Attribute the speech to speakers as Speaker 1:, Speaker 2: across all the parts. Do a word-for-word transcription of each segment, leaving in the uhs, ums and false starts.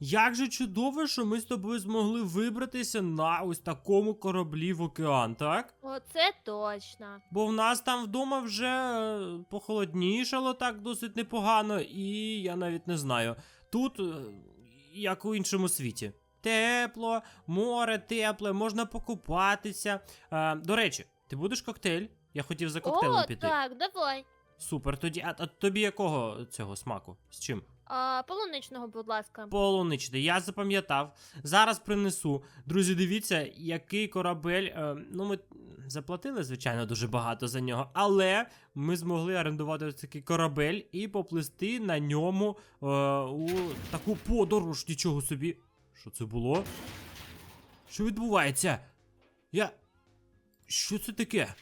Speaker 1: Як же чудово, що ми з тобою змогли вибратися на ось такому кораблі в океан, так?
Speaker 2: Оце точно.
Speaker 1: Бо в нас там вдома вже е, похолоднішало так досить непогано, і я навіть не знаю. Тут, е, як у іншому світі. Тепло, море тепле, можна покупатися. Е, до речі, ти будеш коктейль? Я хотів за коктейлем
Speaker 2: О,
Speaker 1: піти.
Speaker 2: так, давай.
Speaker 1: Супер, тоді, а, а тобі якого цього смаку? З чим?
Speaker 2: А, полуничного, будь ласка.
Speaker 1: Полуничний, я запам'ятав. Зараз принесу. Друзі, дивіться, який корабель. Е, ну, ми заплатили, звичайно, дуже багато за нього, але ми змогли орендувати ось такий корабель і поплисти на ньому е, у таку подорож. Нічого собі. Що це було? Що відбувається? Я. Що це таке?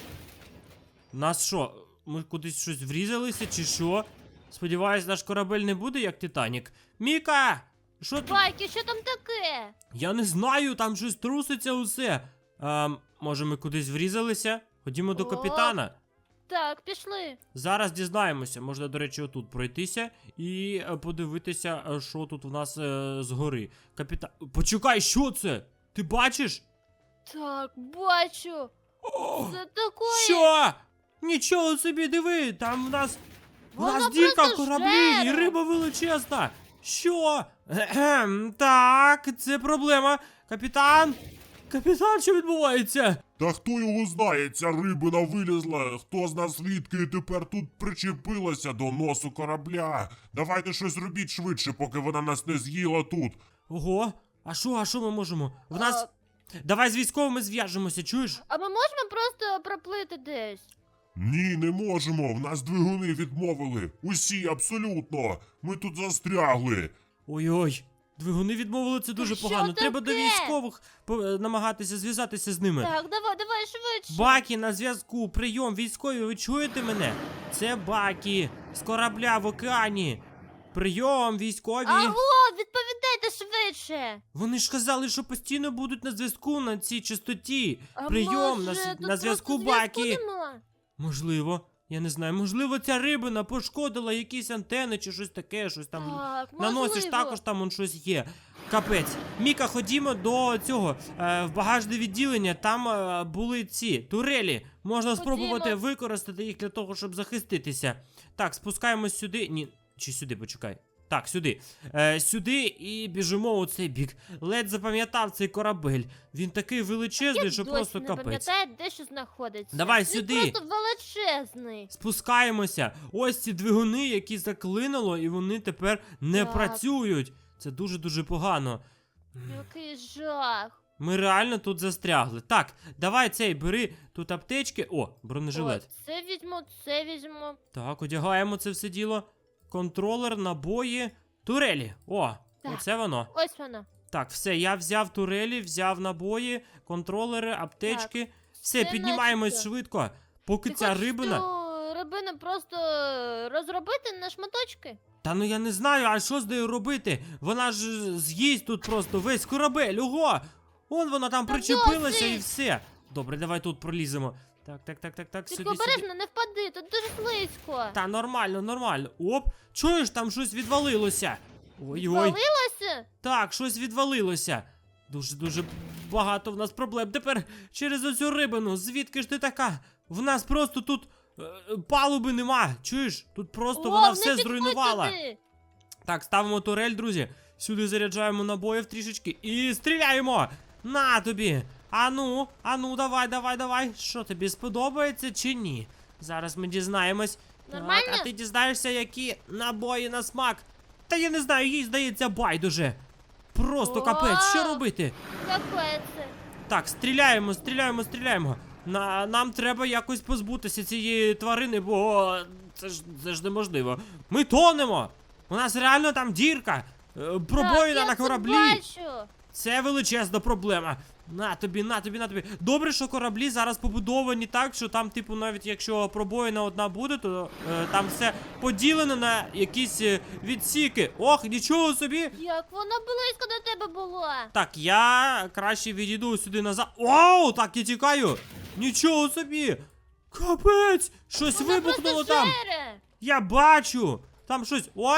Speaker 1: Нас що? Ми кудись щось врізалися, чи що? Сподіваюсь, наш корабель не буде як Титанік. Міка! Що тут?
Speaker 2: Байки, що там таке?
Speaker 1: Я не знаю, там щось труситься усе. Ем, може ми кудись врізалися? Ходімо до
Speaker 2: О.
Speaker 1: капітана.
Speaker 2: Так, пішли.
Speaker 1: Зараз дізнаємося. Можна, до речі, отут пройтися і е, подивитися, е, що тут у нас е, згори. Капітан. Почекай, що це? Ти бачиш?
Speaker 2: Так, бачу.
Speaker 1: О,
Speaker 2: Це таке.
Speaker 1: що? Нічого собі, диви, там у нас. У
Speaker 2: Вона
Speaker 1: нас дірка в
Speaker 2: просто
Speaker 1: кораблі, і
Speaker 2: жере.
Speaker 1: риба величезна. Що? Ем, так, це проблема. Капітан? Капітан, що відбувається?
Speaker 3: Та хто його знає, ця рибина вилізла, хто з нас свідки і тепер тут причепилася до носу корабля. Давайте щось робіть швидше, поки вона нас не з'їла тут.
Speaker 1: Ого, а що, а що ми можемо? В нас.
Speaker 2: А,
Speaker 1: Давай з військовими зв'яжемося, чуєш?
Speaker 2: а ми можемо просто проплити десь?
Speaker 3: Ні, не можемо, в нас двигуни відмовили. Усі, абсолютно. Ми тут застрягли.
Speaker 1: Ой-ой, двигуни відмовили, це дуже
Speaker 2: що
Speaker 1: погано. Треба до
Speaker 2: таке?
Speaker 1: військових по- е, намагатися зв'язатися з ними.
Speaker 2: Так, давай, давай швидше.
Speaker 1: Бакі на зв'язку, прийом, військові, ви чуєте мене? Це Бакі з корабля в океані. Прийом, військові.
Speaker 2: Аго, відповідайте швидше.
Speaker 1: Вони ж казали, що постійно будуть на зв'язку на цій частоті.
Speaker 2: А
Speaker 1: Прийом
Speaker 2: може,
Speaker 1: на, с-
Speaker 2: тут
Speaker 1: на зв'язку
Speaker 2: просто зв'язку
Speaker 1: Бакі.
Speaker 2: нема?
Speaker 1: Можливо, я не знаю, можливо, ця рибина пошкодила якісь антени чи щось таке, щось там.
Speaker 2: Так,
Speaker 1: На носі ж
Speaker 2: можливо.
Speaker 1: також там он щось є. Капець. Міка, ходімо до цього, е, в багажне відділення. Там е, були ці турелі. Можна спробувати
Speaker 2: Ходімо.
Speaker 1: використати їх для того, щоб захиститися. Так, спускаємось сюди. Ні, чи сюди, почекай. Так, сюди. Е, сюди і біжимо у цей бік. Ледь запам'ятав цей корабель. Він такий величезний,
Speaker 2: Я
Speaker 1: що
Speaker 2: досі
Speaker 1: просто
Speaker 2: не
Speaker 1: капець.
Speaker 2: пам'ятаю, де що знаходиться.
Speaker 1: Давай
Speaker 2: Він
Speaker 1: сюди.
Speaker 2: просто величезний.
Speaker 1: Спускаємося. Ось ці двигуни, які заклинило, і вони тепер не
Speaker 2: Так.
Speaker 1: працюють. Це дуже-дуже погано.
Speaker 2: Який жах.
Speaker 1: Ми реально тут застрягли. Так, давай цей, бери тут аптечки. О, бронежилет.
Speaker 2: О, це візьму, це візьму.
Speaker 1: Так, одягаємо це все діло. Контролер, набої, турелі. О,
Speaker 2: Так.
Speaker 1: оце воно.
Speaker 2: Ось воно.
Speaker 1: Так, все, я взяв турелі, взяв набої, контролери, аптечки. Все,
Speaker 2: Це
Speaker 1: піднімаємось
Speaker 2: начебто.
Speaker 1: швидко. Поки
Speaker 2: Ти
Speaker 1: ця
Speaker 2: хочеш
Speaker 1: рибина.
Speaker 2: цю рибину просто розробити на шматочки?
Speaker 1: Та ну я не знаю, а що з нею робити? Вона ж е, з'їсть тут просто весь корабель. Ого! Он вона там
Speaker 2: Та
Speaker 1: причепилася і
Speaker 2: досить!
Speaker 1: все. Добре, давай тут проліземо. Так, так, так, так, так,
Speaker 2: Тільки
Speaker 1: сюди, сюди.
Speaker 2: обережно, не впади, тут дуже слизько.
Speaker 1: Та нормально, нормально. Оп, чуєш, там щось відвалилося. Ой-ой.
Speaker 2: Валилося?
Speaker 1: Так, щось відвалилося. Дуже-дуже багато в нас проблем. Тепер через оцю рибину. Звідки ж ти така? В нас просто тут е, палуби нема. Чуєш? Тут просто
Speaker 2: О,
Speaker 1: вона
Speaker 2: не
Speaker 1: все
Speaker 2: підходь
Speaker 1: зруйнувала.
Speaker 2: туди.
Speaker 1: Так, ставимо турель, друзі. Сюди заряджаємо набоїв трішечки і стріляємо. На тобі. Ану, ану, давай, давай, давай. Що тобі сподобається чи ні? Зараз ми дізнаємось.
Speaker 2: Нормально?
Speaker 1: Так, а ти дізнаєшся, які набої на смак. Та я не знаю, їй здається байдуже. Просто
Speaker 2: О!
Speaker 1: капець, що робити?
Speaker 2: Какое це?
Speaker 1: Так, стріляємо, стріляємо, стріляємо. На, нам треба якось позбутися цієї тварини, бо це ж, це ж неможливо. Ми тонемо! У нас реально там дірка. е, Пробоїна
Speaker 2: Так, я
Speaker 1: на
Speaker 2: це
Speaker 1: кораблі.
Speaker 2: бачу.
Speaker 1: Це величезна проблема. На тобі, на тобі, на тобі. Добре, що кораблі зараз побудовані так, що там, типу, навіть якщо пробоїна одна буде, то е, там все поділено на якісь е, відсіки. Ох, нічого собі.
Speaker 2: Як воно близько до тебе було.
Speaker 1: Так, я краще відійду сюди назад. Оу, так, я тікаю. Нічого собі. Капець, щось
Speaker 2: Воно
Speaker 1: вибухнуло
Speaker 2: просто
Speaker 1: там.
Speaker 2: жере.
Speaker 1: Я бачу. Там щось. Ой,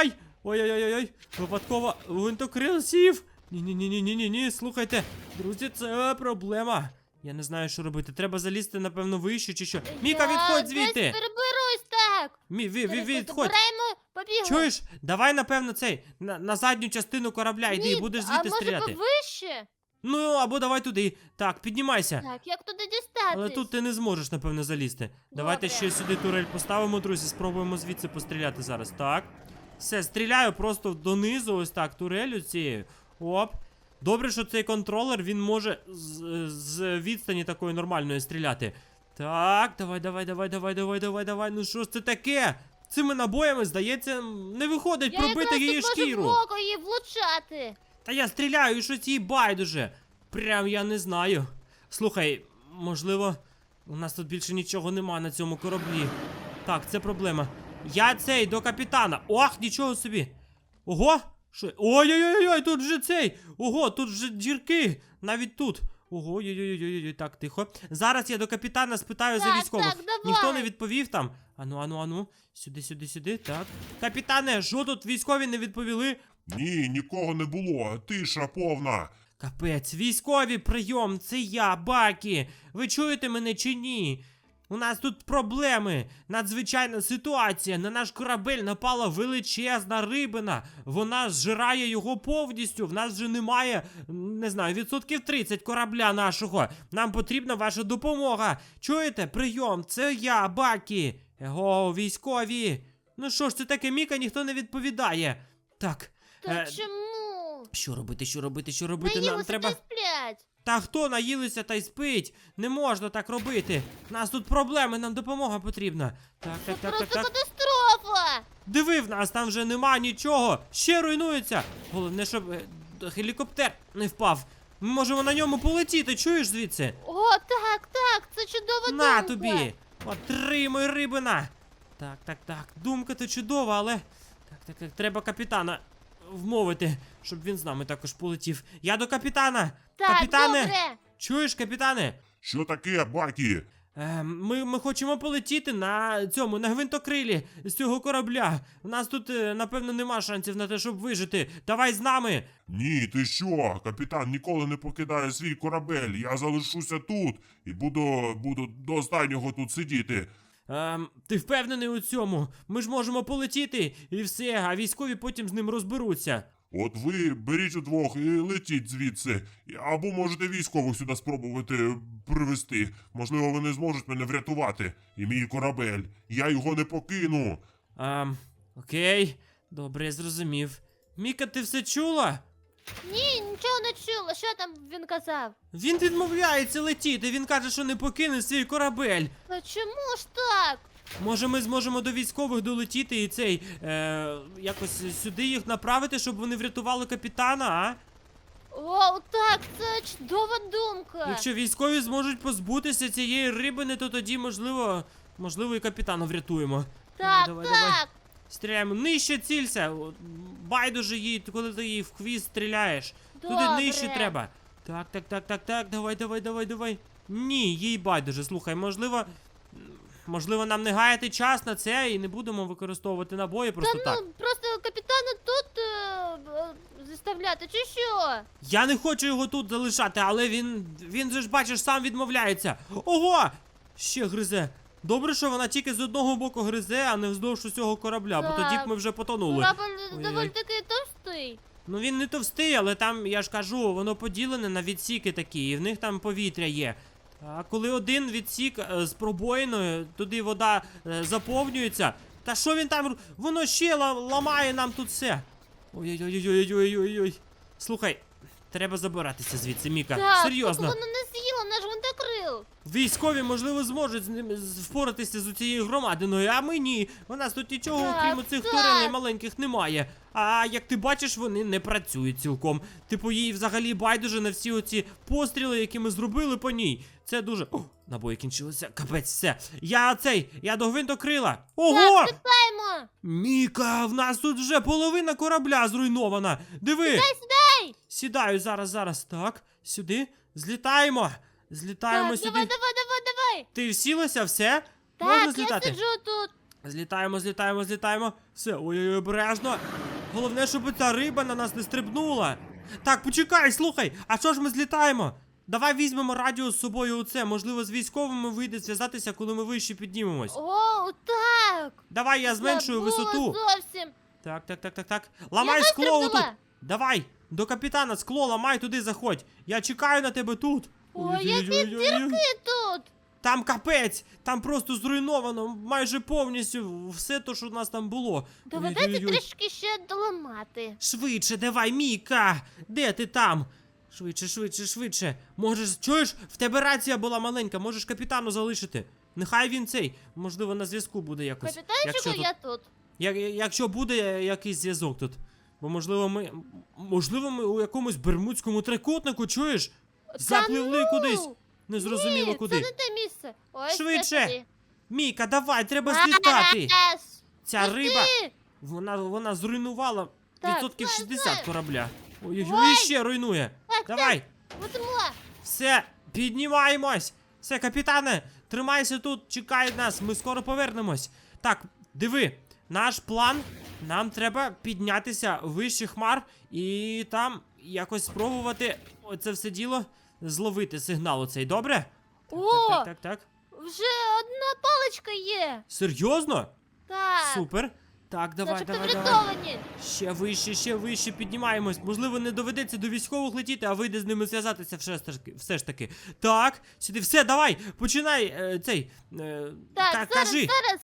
Speaker 1: Ой-ой-ой-ой, випадково гвинтокрил сів. Ні-ні-ні-ні-ні-ні, слухайте, друзі, це проблема. Я не знаю, що робити. Треба залізти, напевно, вище чи що. Міка,
Speaker 2: Я
Speaker 1: відходь
Speaker 2: десь
Speaker 1: звідти!
Speaker 2: переберусь так.
Speaker 1: Мі, ві, ві, відходь!
Speaker 2: Збираємо, побігли.
Speaker 1: Чуєш? Давай, напевно, цей, на, на задню частину корабля йди,
Speaker 2: Ні,
Speaker 1: будеш
Speaker 2: а
Speaker 1: звідти
Speaker 2: може
Speaker 1: стріляти.
Speaker 2: повище?
Speaker 1: Ну, або давай туди. Так, піднімайся.
Speaker 2: Так, як туди дістатись?
Speaker 1: Але тут ти не зможеш, напевно, залізти. Давайте ще сюди турель поставимо, друзі, спробуємо звідси постріляти зараз. Так. Все, стріляю просто донизу, ось так, турелю цією. Оп. Добре, що цей контролер, він може з, з відстані такої нормальної стріляти. Так, давай, давай, давай, давай, давай, давай, давай. Ну що ж це таке? Цими набоями, здається, не виходить
Speaker 2: Я
Speaker 1: пробити
Speaker 2: якраз
Speaker 1: її
Speaker 2: тут можу
Speaker 1: шкіру.
Speaker 2: в око її влучати.
Speaker 1: Та я стріляю, і щось їй байдуже. Прям я не знаю. Слухай, можливо, у нас тут більше нічого нема на цьому кораблі. Так, це проблема. Я цей до капітана. Ох, нічого собі. Ого! Що? Ой-ой-ой, тут вже цей! Ого, тут вже дірки! Навіть тут. Ого, ой-ой-ой, так, тихо. Зараз я до капітана спитаю за
Speaker 2: Так,
Speaker 1: військових.
Speaker 2: так, давай.
Speaker 1: Ніхто не відповів там. Ану, ану, ану. Сюди, сюди, сюди. Так. Капітане, що тут військові не відповіли?
Speaker 3: Ні, нікого не було. Тиша повна.
Speaker 1: Капець, військові, прийом, це я, Бакі. Ви чуєте мене чи ні? У нас тут проблеми, надзвичайна ситуація. На наш корабель напала величезна рибина. Вона зжирає його повністю. В нас вже немає, не знаю, відсотків тридцять корабля нашого. Нам потрібна ваша допомога. Чуєте? Прийом, це я, Бакі. Его, військові. Ну що ж це таке, Міка, ніхто не відповідає. Так.
Speaker 2: Та
Speaker 1: е,
Speaker 2: чому?
Speaker 1: Що робити, що робити, що робити? Нам
Speaker 2: Наїлися
Speaker 1: треба.
Speaker 2: та й сплять.
Speaker 1: Та хто наїлися та й спить? Не можна так робити. У нас тут проблеми, нам допомога потрібна. Так, так,
Speaker 2: Це
Speaker 1: так, так,
Speaker 2: просто
Speaker 1: так.
Speaker 2: катастрофа.
Speaker 1: Диви, в нас там вже нема нічого. Ще руйнується. Головне, щоб е, гелікоптер не впав. Ми можемо на ньому полетіти, чуєш звідси?
Speaker 2: О, так, так, це чудова
Speaker 1: На
Speaker 2: думка.
Speaker 1: тобі! Отримай, рибина! Так, так, так. Думка то чудова, але. Так, так, так. Треба капітана вмовити, щоб він з нами також полетів. Я до капітана!
Speaker 2: Так,
Speaker 1: Капітане!
Speaker 2: добре.
Speaker 1: Чуєш, капітане?
Speaker 3: Що таке, Бакі?
Speaker 1: Е, ми, ми хочемо полетіти на цьому, на гвинтокрилі з цього корабля. У нас тут, е, напевно, нема шансів на те, щоб вижити. Давай з нами.
Speaker 3: Ні, ти що? Капітан ніколи не покидає свій корабель. Я залишуся тут і буду, буду до останнього тут сидіти.
Speaker 1: Ем, ти впевнений у цьому? Ми ж можемо полетіти і все, а військові потім з ним розберуться.
Speaker 3: От ви беріть удвох і летіть звідси. Або можете військових сюди спробувати привезти. Можливо, вони зможуть мене врятувати. І мій корабель. Я його не покину.
Speaker 1: Ем, окей, добре, я зрозумів. Міка, ти все чула?
Speaker 2: Ні, нічого не чула. Що там він казав?
Speaker 1: Він відмовляється летіти, він каже, що не покине свій корабель.
Speaker 2: Та чому ж так?
Speaker 1: Може, ми зможемо до військових долетіти і цей, е, якось сюди їх направити, щоб вони врятували капітана, а?
Speaker 2: О, так, це чудова думка.
Speaker 1: Якщо військові зможуть позбутися цієї рибини, то тоді, можливо, можливо, і капітана врятуємо.
Speaker 2: Так,
Speaker 1: давай,
Speaker 2: так.
Speaker 1: давай. Стріляємо. Нижче цілься. От, байдуже їй, коли ти її в хвіст стріляєш. Туди
Speaker 2: Добре.
Speaker 1: нижче треба. Так, так, так, так, так. Давай, давай, давай, давай. Ні, їй байдуже. Слухай, можливо. Можливо, нам не гаяти час на це і не будемо використовувати набої просто
Speaker 2: Та
Speaker 1: так.
Speaker 2: ну, просто капітана тут е, е, заставляти, чи що?
Speaker 1: Я не хочу його тут залишати, але він. Він же ж бачиш, сам відмовляється. Ого! Ще гризе. Добре, що вона тільки з одного боку гризе, а не вздовж усього корабля, бо тоді б ми вже потонули.
Speaker 2: Корабль
Speaker 1: Ой-ой.
Speaker 2: доволі таки товстий.
Speaker 1: Ну він не товстий, але там, я ж кажу, воно поділене на відсіки такі, і в них там повітря є. А коли один відсік е, з пробоїною, туди вода е, заповнюється. Та що він там? ру- Воно ще ла- ламає нам тут все. Ой-ой-ой-ой-ой-ой-ой. Слухай, треба забиратися звідси, Міка.
Speaker 2: Так,
Speaker 1: Серйозно.
Speaker 2: поки воно не з'їло наш гвинтокрил.
Speaker 1: Військові, можливо, зможуть з ним з- впоратися з цією громадиною, а ми ні. У нас тут нічого,
Speaker 2: Так,
Speaker 1: окрім цих
Speaker 2: так.
Speaker 1: турелей маленьких, немає. А як ти бачиш, вони не працюють цілком. Типу, їй взагалі байдуже на всі оці постріли, які ми зробили по ній. Це дуже. О, набої кінчилися. Капець, все. Я цей, я до гвинтокрила. Ого!
Speaker 2: Так, літаємо.
Speaker 1: Міка, в нас тут вже половина корабля зруйнована. Диви!
Speaker 2: Дай сюди.
Speaker 1: Сідаю зараз, зараз. Так, сюди. Злітаємо. Злітаємо
Speaker 2: Так,
Speaker 1: сюди.
Speaker 2: давай, давай, давай, давай.
Speaker 1: Ти всілася, все? Можна
Speaker 2: Так, я
Speaker 1: злітати?
Speaker 2: сиджу тут.
Speaker 1: Злітаємо, злітаємо, злітаємо. Все, ой-ой-ой, обережно. Головне, щоб ця риба на нас не стрибнула. Так, почекай, слухай, а що ж ми злітаємо? Давай візьмемо радіо з собою оце. Можливо, з військовими вийде зв'язатися, коли ми вище піднімемось.
Speaker 2: О, так.
Speaker 1: Давай я зменшую
Speaker 2: Забула
Speaker 1: висоту.
Speaker 2: зовсім.
Speaker 1: Так, так, так, так, так. Ламай
Speaker 2: Я
Speaker 1: скло
Speaker 2: вистрибнула.
Speaker 1: отут. Давай, до капітана скло ламай, туди заходь. Я чекаю на тебе тут.
Speaker 2: Ой, які
Speaker 1: Ой-ой-ой-ой-ой.
Speaker 2: дірки тут.
Speaker 1: Там капець, там просто зруйновано майже повністю все те, що у нас там було.
Speaker 2: Доведеться
Speaker 1: Ой-ой-ой.
Speaker 2: трішки ще доламати.
Speaker 1: Швидше, давай, Міка! Де ти там? Швидше, швидше, швидше. Можеш, чуєш, в тебе рація була маленька, можеш капітану залишити. Нехай він цей, можливо, на зв'язку буде якось.
Speaker 2: Капітанчику,
Speaker 1: якщо тут,
Speaker 2: я тут.
Speaker 1: як, якщо буде якийсь зв'язок тут. Бо можливо ми. Можливо, ми у якомусь бермудському трикутнику, чуєш? Запливли
Speaker 2: ну!
Speaker 1: кудись. Незрозуміло
Speaker 2: Ні,
Speaker 1: куди.
Speaker 2: це не те місце. Ось
Speaker 1: Швидше.
Speaker 2: це туди.
Speaker 1: Міка, давай, треба злітати.
Speaker 2: Ес,
Speaker 1: Ця
Speaker 2: пусти.
Speaker 1: риба, вона, вона зруйнувала
Speaker 2: Так,
Speaker 1: відсотків
Speaker 2: знаю,
Speaker 1: шістдесят
Speaker 2: знаю.
Speaker 1: корабля. Ой-ой-ой,
Speaker 2: Ой.
Speaker 1: і ще руйнує.
Speaker 2: Так,
Speaker 1: Давай,
Speaker 2: Будемо.
Speaker 1: все, піднімаємось. Все, капітане, тримайся тут, чекай нас, ми скоро повернемось. Так, диви, наш план, нам треба піднятися вище хмар і там якось спробувати оце все діло зловити сигнал оцей, добре? Так,
Speaker 2: О,
Speaker 1: так, так, так, так.
Speaker 2: вже одна паличка є.
Speaker 1: Серйозно?
Speaker 2: Так.
Speaker 1: Супер. Так, давай,
Speaker 2: Начебто
Speaker 1: давай, давай.
Speaker 2: врятовані.
Speaker 1: Ще вище, ще вище піднімаємось. Можливо, не доведеться до військових летіти, а вийде з ними зв'язатися все ж таки. Все ж таки. Так, сюди, все, давай, починай е, цей. Е,
Speaker 2: Так,
Speaker 1: ка-
Speaker 2: зараз,
Speaker 1: кажи.
Speaker 2: зараз.